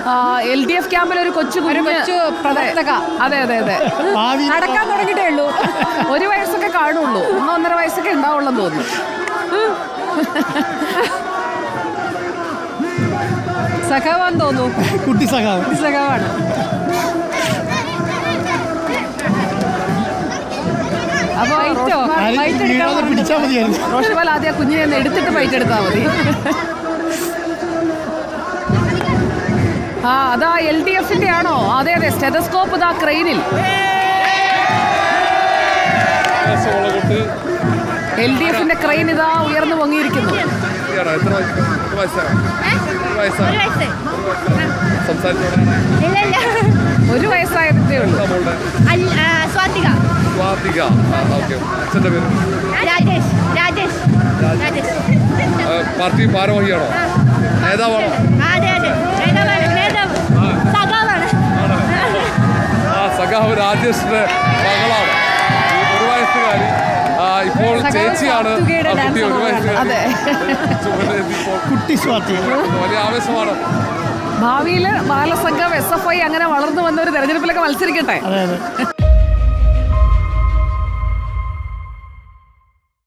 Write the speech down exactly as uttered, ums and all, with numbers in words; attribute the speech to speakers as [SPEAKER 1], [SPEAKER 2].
[SPEAKER 1] L D F ക്യാമ്പിൽ ഒരു കൊച്ചു
[SPEAKER 2] കൊച്ചു പ്രവർത്തക.
[SPEAKER 1] അതെ അതെ അതെ
[SPEAKER 2] നടക്കാൻ തുടങ്ങിയിട്ടേ ഉള്ളൂ.
[SPEAKER 1] ഒരു വയസ്സൊക്കെ കാണുള്ളൂ, ഒന്നോ ഒന്നര വയസ്സൊക്കെ ഉണ്ടാവുള്ളെന്ന് തോന്നുന്നു.
[SPEAKER 2] സഖാവാന്ന് തോന്നുന്നു.
[SPEAKER 3] കുട്ടി സഖാവ്
[SPEAKER 2] കുട്ടി സഖാവാണ്.
[SPEAKER 3] പിടിച്ചാൽ മതിയായിരുന്നു.
[SPEAKER 1] റോഷിപാൽ ആദ്യം കുഞ്ഞിനെ ഒന്ന് എടുത്തിട്ട് ഫൈറ്റ് എടുത്താൽ മതി. ആ അതാ എൽ ഡി എഫിന്റെ ആണോ? അതെ അതെ, സ്റ്റെതസ്കോപ്പ് ഇതാ ക്രെയിനിൽ. എൽ ഡി എഫിന്റെ ക്രെയിൻ ഇതാ ഉയർന്നു പൊങ്ങിയിരിക്കുന്നു. ഒരു വയസ്സായതേ ഉള്ളൂ.
[SPEAKER 4] സ്വാതിക.
[SPEAKER 5] സ്വാതിക. അച്ഛൻ്റെ പേര്
[SPEAKER 4] രാജേഷ്. രാജേഷ്. രാജേഷ്.
[SPEAKER 5] പാർട്ടി ഭാരവാഹിയാണോ? നേതാവാണോ?
[SPEAKER 4] അതെ അതെ, നേതാവ് സഖാവാണ്.
[SPEAKER 5] ആ സഖാവ് രാജേഷിന്റെ മകളാണ് ഒരു വയസ്സുകാരി. ഇപ്പോൾ ചേച്ചിയാണ് കുട്ടി ഒരു വയസ്സുകാരി.
[SPEAKER 3] കുട്ടി സ്വാതി
[SPEAKER 5] വലിയ ആവേശമാണ്.
[SPEAKER 1] ഭാവിയിൽ ബാലസംഘം എസ് എഫ് ഐ അങ്ങനെ വളർന്നു വന്ന ഒരു തെരഞ്ഞെടുപ്പിലൊക്കെ മത്സരിക്കട്ടെ.
[SPEAKER 3] അതെ അതെ.